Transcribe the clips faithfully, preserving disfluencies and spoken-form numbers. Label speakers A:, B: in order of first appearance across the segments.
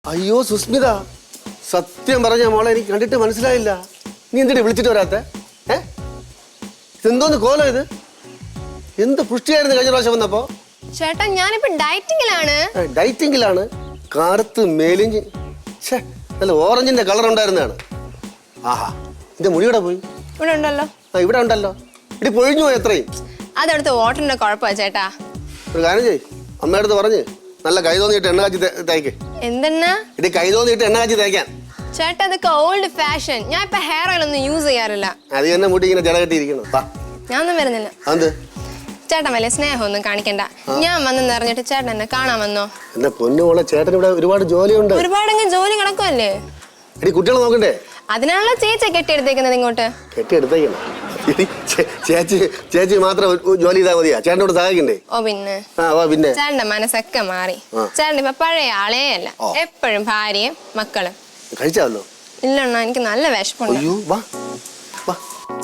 A: അയ്യോ സുസ്മിത, സത്യം പറഞ്ഞ മോളെ എനിക്ക് കണ്ടിട്ട് മനസ്സിലായില്ല. നീ എന്തിനാ വിളിച്ചിട്ട് വരാത്തെ? ഏ ഇതെന്തോന്ന് കോലം ഇത്? എന്ത് പുഷ്ടിയായിരുന്നു കഴിഞ്ഞ പ്രാവശ്യം വന്നപ്പോ?
B: ചേട്ടാ ഞാനിപ്പോ ഡയറ്റിങ്ങിലാണ്.
A: ഡയറ്റിങ്ങിലാണ്? കാർത്ത് മേലിഞ്ച് നല്ല ഓറഞ്ചിന്റെ കളർ ഉണ്ടായിരുന്നതാണ്. ആഹാ, എന്റെ മുടിയുടെ പോയി.
B: ഇവിടെ ഉണ്ടല്ലോ.
A: ആ ഇവിടെ ഉണ്ടല്ലോ. ഇടി പൊഴിഞ്ഞു പോയി എത്രയും.
B: അതടുത്ത് വാട്ടറിന്റെ കുഴപ്പമാ ചേട്ടാ.
A: ഒരു കാര്യം ചെയ്യ്, അമ്മയടുത്ത് പറഞ്ഞ് നല്ല കൈ തോന്നിയിട്ട് എണ്ണ കാച്ചി തേക്ക്.
B: എന്തെന്നാ?
A: ഇടി കൈ തോന്നിയിട്ട് എണ്ണ കാച്ചി തേക്കാൻ.
B: ചേട്ടാ അതൊക്കെ ഓൾഡ് ഫാഷൻ. ഞാൻ ഇപ്പൊ ഹെയർ ഓയിൽ ഒന്നും യൂസ് ചെയ്യാറില്ല.
A: അത് തന്നെ മുടി ഇങ്ങനെ ജട കെട്ടിയിരിക്കണം.
B: ഞാനൊന്നും വരുന്നില്ല.
A: അത്
B: ചേട്ടൻ വലിയ സ്നേഹമൊന്നും കാണിക്കണ്ട. ഞാൻ വന്നെന്ന് അറിഞ്ഞിട്ട് ചേട്ടൻ എന്നെ കാണാൻ വന്നോ?
A: എന്നെ പൊന്നുമോളെ, ചേട്ടൻ ഇവിടെ ഒരുപാട് ജോലിയുണ്ട്.
B: ഒരുപാടെങ്കിലും ജോലി കിടക്കുമല്ലേ?
A: എടി കുട്ടികളെ നോക്കണ്ടേ?
B: അതിനാണല്ലോ ചേച്ചി കെട്ടിയെടുത്തേക്കുന്നത് ഇങ്ങോട്ട്.
A: കെട്ടിയെടുത്തേക്കണം. ചേച്ചി ചേച്ചി മാത്രം ജോലി ചെയ്താൽ മതിയാ? ചേട്ടനോട് സഹായിക്കണ്ടേ?
B: ഓ പിന്നെ
A: പിന്നെ
B: ചേട്ടന്റെ മനസ്സൊക്കെ മാറി. ചേട്ടൻ ഇപ്പൊ പഴയ ആളേ അല്ല. എപ്പോഴും ഭാര്യയും മക്കളും.
A: കഴിച്ചാവല്ലോ?
B: ഇല്ലണ്ണ, എനിക്ക് നല്ല വിശപ്പുണ്ട്.
A: അയ്യോ വാ വാ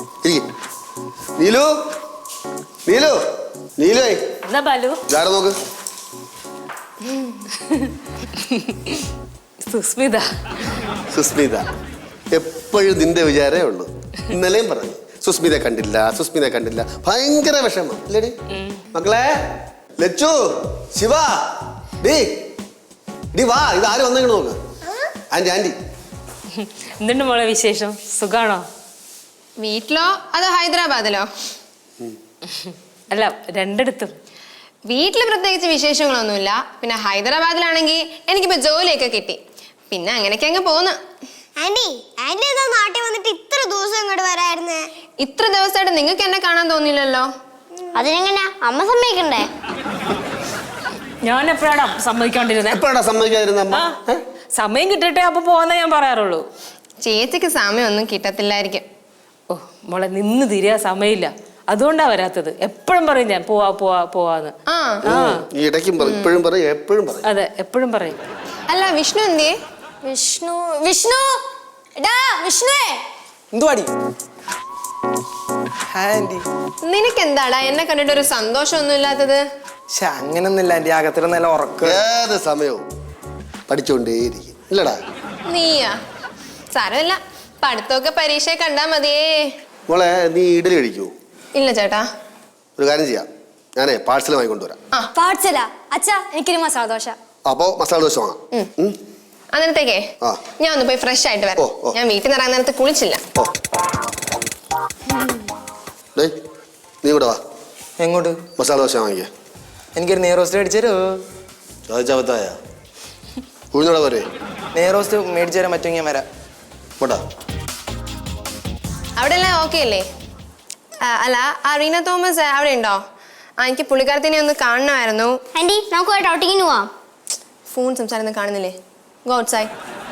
A: നീലു നീലു നീലു
C: എന്താ ബാലു?
A: ഇതാരെ നോക്ക്.
C: സുസ്മിത.
A: സുസ്മിത എപ്പോഴും നിന്റെ വിചാരേ ഉള്ളൂ. ഇന്നലെയും പറഞ്ഞു സുസ്മിത കണ്ടില്ല, സുസ്മിത കണ്ടില്ല. ഭയങ്കര വിഷമം അല്ലേടി മക്കളെ? ലച്ചു, ശിവ, ഡീ ഡീ വാ, ഇത് ആരും വന്നെങ്കിലും നോക്ക്. ആന്റി ആന്റി
C: എന്തുണ്ട് മോളെ വിശേഷം? സുഖാണോ?
B: വീട്ടിലോ അതോ ഹൈദരാബാദിലോ?
C: അല്ല, രണ്ടിടത്തും.
B: വീട്ടില് പ്രത്യേകിച്ച് വിശേഷങ്ങളൊന്നുമില്ല. പിന്നെ ഹൈദരാബാദിലാണെങ്കിൽ എനിക്കിപ്പോ ജോലിയൊക്കെ കിട്ടി. പിന്നെ അങ്ങനെയൊക്കെ അങ്ങ് പോന്ന്.
D: ആന്റി ആന്റി എന്താ നാട്ടിൽ വന്നിട്ട് ഇത്ര ദിവസം ഇങ്ങോട്ട് വരായിരുന്നേ?
B: ഇത്ര ദിവസമായിട്ട് നിങ്ങൾക്ക് എന്നെ കാണാൻ തോന്നിയില്ലല്ലോ.
D: അതിനെങ്ങനെയാ അമ്മ സമ്മതിക്കണ്ടേ?
C: ഞാൻ എപ്പോഴാണ് സമ്മതിക്കാണ്ടിരുന്നത്?
A: എപ്പോഴാ സമ്മതിക്കാതിരുന്ന അമ്മ?
C: സമയം കിട്ടട്ടെ അപ്പൊ പോവാന്നേ ഞാൻ പറയാറുള്ളൂ.
B: ചേച്ചിക്ക് സമയമൊന്നും കിട്ടത്തില്ലായിരിക്കും.
C: ഓ മോളെ, നിന്ന് തിരിയാ സമയമില്ല, അതുകൊണ്ടാ വരാത്തത്. എപ്പോഴും പറയും ഞാൻ പോവാ പോവാ പോവാന്ന്.
B: ആ
A: ഈ ഇടയ്ക്കും പറയും, ഇപ്പോഴും പറയും, എപ്പോഴും പറയും.
C: അതെ, എപ്പോഴും പറയും.
B: അല്ല വിഷ്ണു എന്തേ?
D: വിഷ്ണു വിഷ്ണു എടാ വിഷ്ണുവേ.
E: എന്തുവാടി? ആന്റി
B: നിനക്ക് എന്താടാ എന്നെ കണ്ടിട്ട് ഒരു സന്തോഷമൊന്നും ഇല്ലാത്തത്?
E: പക്ഷെ അങ്ങനൊന്നുമില്ല ആന്റി, അകത്തിട്ട് നല്ല ഉറക്കം.
A: ഏത് സമയവും പഠിച്ചോണ്ടേയിരിക്കും ഇല്ലടാ?
B: നീയാ? സാരമില്ല, പഠിത്തമൊക്കെ പരീക്ഷയെ കണ്ടാ മതിയേ.
A: മോളെ നീ ഇഡലി കഴിക്കുവോ?
B: ഇല്ല ചേട്ടാ.
A: ഒരു കാര്യം ചെയ്യാം, ഞാനേ പാഴ്സൽ വാങ്ങിക്കൊണ്ടുവരാം.
B: ആ
D: പാഴ്സലാ? അച്ഛാ എനിക്കൊരു മസാല ദോശ.
A: അപ്പോ മസാല ദോശ വാങ്ങാം. ഉം.
B: അന്നേരത്തേക്കേ
A: ആ.
B: ഞാൻ ഒന്ന് പോയി ഫ്രഷ് ആയിട്ട്
A: ഓ,
B: വരാം.
A: ഓ.
B: ഞാൻ വീട്ടിൽ നിന്ന് ഇറങ്ങുന്ന നേരത്ത് കുളിച്ചില്ല.
A: ഓ ഡേയ്, നീ ഇവിടെ വാ,
E: എങ്ങോട്ട്?
A: മസാല ദോശ വാങ്ങിക്കേ.
E: എനിക്കൊരു നെയ് റോസ്റ്റ് മേടിച്ചു തരുമോ?
A: ചോദിച്ചാവത്തായ ഉഴുന്നോടെ പോരെ?
E: നെയ് റോസ്റ്റ് മേടിച്ചു തരാൻ പറ്റുമെങ്കിൽ ഞാൻ വരാം.
A: പോട്ടാ.
B: അവിടെ എല്ലാം ഓക്കെ അല്ലേ? ആ, അല്ല ആ റീന തോമസ് അവിടെ ഉണ്ടോ? ആ എനിക്ക് പുള്ളിക്കാരത്തിനെ ഒന്ന് കാണണമായിരുന്നു.
D: ആന്റി നമുക്ക് പോയിട്ട് ഔട്ടിങ്ങിന് പോവാം.
B: ഫോൺ സംസാരം കാണുന്നില്ലേ? Go outside.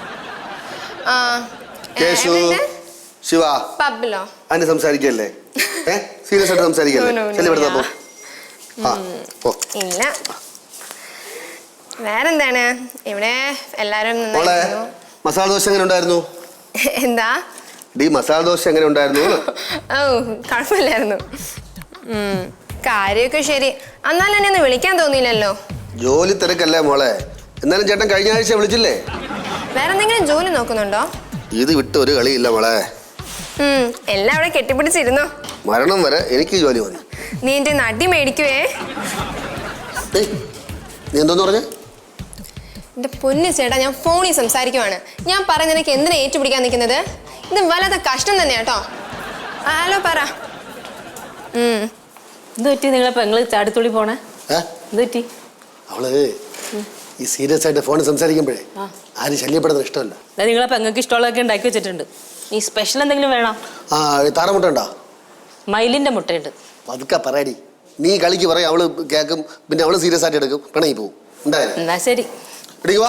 A: Keshu, Shiva,
B: പബ്ബിലോ?
A: അതിന് സംസാരിക്കല്ലേ? ഏ സീരിയസ് ആയിട്ട് സംസാരിക്കല്ലേ?
B: No, no, no,
A: ചെല്ലി ഇവിടുത്തെ പോ. ആ പോ.
B: ഇല്ല, വേറെന്താണ് ഇവിടെ എല്ലാരും
A: മോളെ,
B: നന്നായിരുന്നു.
A: മസാല ദോശ എങ്ങനെ ഉണ്ടായിരുന്നു?
B: എന്താ?
A: ഡി മസാല ദോശ എങ്ങനെ ഉണ്ടായിരുന്നു?
B: ഓ കുഴപ്പമില്ലായിരുന്നു. ഉം, കാര്യമൊക്കെ ശരി. എന്നാലും എന്നെ ഒന്ന് വിളിക്കാൻ തോന്നിയില്ലല്ലോ.
A: ജോലി തിരക്കല്ലേ മോളെ? എന്നാലും ചേട്ടൻ കഴിഞ്ഞ ആഴ്ച വിളിച്ചില്ലേ?
B: വേറെ എന്തെങ്കിലും ജോലി നോക്കുന്നുണ്ടോ?
A: ഇത് വിട്ട് ഒരു കളിയില്ല മോളെ.
B: ഉം, എല്ലാം അവിടെ കെട്ടിപ്പിടിച്ചിരുന്നോ?
A: മരണം വരെ എനിക്ക് ജോലി മതി.
B: നീ എന്റെ നടി മേടിക്കുവേ.
A: ഏയ്, നീ എന്തോന്ന് പറഞ്ഞേ?
B: എന്റെ പൊന്നു ചേട്ടാ, ഞാൻ ഫോണിൽ സംസാരിക്കുവാണ്. ഞാൻ പറയുന്ന എനിക്ക് എന്തിനാ ഏറ്റുപിടിക്കാൻ നിൽക്കുന്നത്? ഇത് വല്ലാത്ത കഷ്ടം തന്നെയാ കേട്ടോ. ഹലോ പറ. ഉം
C: എന്ത് പറ്റി? നിങ്ങളെ പെങ്ങള് ചാടിത്തുള്ളി പോണേ?
A: ഏ
C: എന്ത് പറ്റി?
A: അവള് ഈ സീരിയസ് ആയിട്ട് ഫോണിൽ സംസാരിക്കുമ്പോഴേ ആരും ശല്യപ്പെടുന്നത് ഇഷ്ടമല്ല.
C: നിങ്ങളെ പെങ്ങൾക്ക് ഇഷ്ടമുള്ളതൊക്കെ ഉണ്ടാക്കി വെച്ചിട്ടുണ്ട്. ഈ സ്പെഷ്യൽ എന്തെങ്കിലും വേണം?
A: ആ താറമുട്ട ഉണ്ടോ?
C: മയിലിന്റെ മുട്ടയുണ്ട്.
A: പതുക്കെ പറയടി. നീ കളിക്ക് പറയും, അവള് കേൾക്കും, പിന്നെ അവള് സീരിയസ് ആയിട്ട് എടുക്കും, പിണങ്ങി പോവും. ഉണ്ടായാലും
C: എന്നാ ശരി.
A: ഇടിക്കുവാ.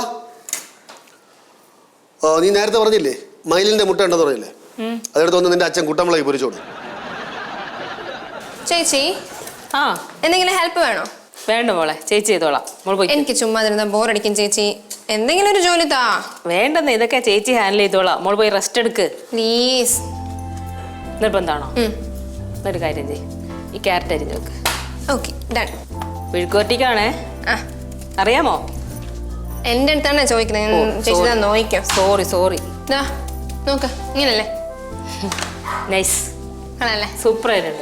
A: ഓ നീ നേരത്തെ പറഞ്ഞില്ലേ മയിലിന്റെ മുട്ട ഉണ്ടെന്ന് പറഞ്ഞില്ലേ? അതെടുത്ത് വന്ന് നിന്റെ അച്ഛൻ കുട്ടമ്പളായി പൊരിച്ചോളൂ.
B: ചേച്ചി,
C: ആ
B: എന്തെങ്കിലും ഹെൽപ്പ് വേണോ?
C: വേണ്ട മോളെ, ചേച്ചി ചെയ്തോളാം. മോൾ പോയി.
B: എനിക്ക് ചുമ്മാ ഇരുന്ന ബോറടിക്കും ചേച്ചി. എന്തെങ്കിലും ഒരു ജോലി താ.
C: വേണ്ടെന്ന്, ഇതൊക്കെ ചേച്ചി ഹാൻഡിൽ ചെയ്തോളാം. മോൾ പോയി റെസ്റ്റ് എടുക്ക്
B: പ്ലീസ്.
C: നിർബന്ധമാണോ? എന്നൊരു കാര്യം ചെയ്യ്, ഈ ക്യാരറ്റ് അരിഞ്ഞ് നോക്ക്.
B: Okay done.
C: വിഴുക്കോട്ടിക്കാണേ.
B: ആ
C: അറിയാമോ?
B: എന്റെ അടുത്താണ് ചോദിക്കുന്നത് ചേച്ചി ഇതാ നോക്കിക്കോ.
C: Sorry sorry.
B: ഇതാ നോക്ക് ഇങ്ങനല്ലേ
C: നൈസ്,
B: ആണല്ലേ?
C: സൂപ്പർ ആയിട്ടുണ്ട്.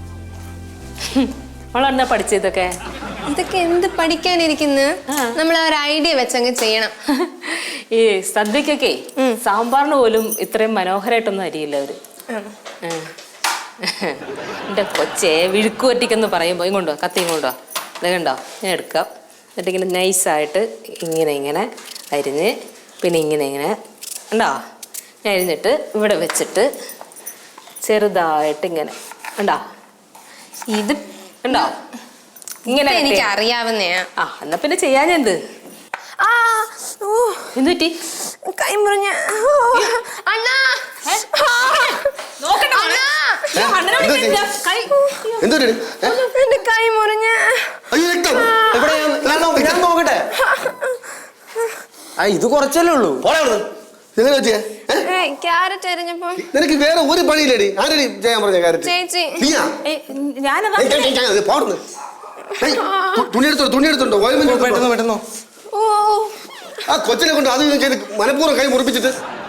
C: അവളെന്താ പഠിച്ചതൊക്കെ?
B: ഇതൊക്കെ എന്ത് പഠിക്കാനിരിക്കുന്നു? നമ്മൾ ആ ഒരു ഐഡിയ വെച്ചങ്ങ് ചെയ്യണം.
C: ഈ സദ്യക്കൊക്കെ സാമ്പാറിന് പോലും ഇത്രയും മനോഹരമായിട്ടൊന്നും അരിയില്ല അവര്. എന്റെ കൊച്ചേ വിഴുക്കുവറ്റിക്കെന്ന് പറയുമ്പോ ഇങ്ങോട്ടോ കത്തി ഇങ്ങോട്ടോ ഇത് കണ്ടോ ഞാൻ എടുക്കാം. എന്നിട്ട് ഇങ്ങനെ നൈസായിട്ട് ഇങ്ങനെ ഇങ്ങനെ അരിഞ്ഞ് പിന്നെ ഇങ്ങനെ ഇങ്ങനെ ഉണ്ടോ ഞാൻ അരിഞ്ഞിട്ട് ഇവിടെ വെച്ചിട്ട് ചെറുതായിട്ട് ഇങ്ങനെ ഉണ്ടോ
B: ഇത്
C: ഉണ്ടോ ഇങ്ങനെ
B: എനിക്ക് അറിയാവുന്നയാ.
C: ആ എന്നാ പിന്നെ ചെയ്യാഞ്ഞെന്ത്?
B: ആ ഓ
C: എന്ത് പറ്റി?
B: കൈ മുറിഞ്ഞ അണ്ണാ.
A: എന്തൊരു
B: എന്റെ കൈ മുറിഞ്ഞ.
A: അയ്യോ രക്തം.
E: എവിടെ ഞാൻ- ഞാൻ നോ- ഞാൻ നോക്കട്ടെ. ആ ഇത് കുറച്ചല്ലേ ഉള്ളൂ.
A: പോടാ അവിടുന്ന്. എങ്ങനെ വെച്ചേ?
B: ക്യാരറ്റ് അരിഞ്ഞപ്പോ
A: നിനക്ക് വേറെ ഒരു പണിയില്ലടി. ആരടി ചെയ്യാൻ പറഞ്ഞ കാര്യം?
B: ചേച്ചി.
A: നീയാ?
C: ഞാനതാ
A: ഏയ് ഏയ് ഏയ് ഏയ് പോടുന്നു. ഏയ് തു- തുണി എടുത്തോ തുണി എടുത്തോണ്ടോ ഓയിൽമെന്റ്
E: പെട്ടെന്ന് പെട്ടെന്നോ.
B: ഓ
A: ആ കൊച്ചിനെ കൊണ്ട് അത് ഇത് ചെയ്ത് മനഃപൂർവ്വം കൈ മുറിപ്പിച്ചിട്ട്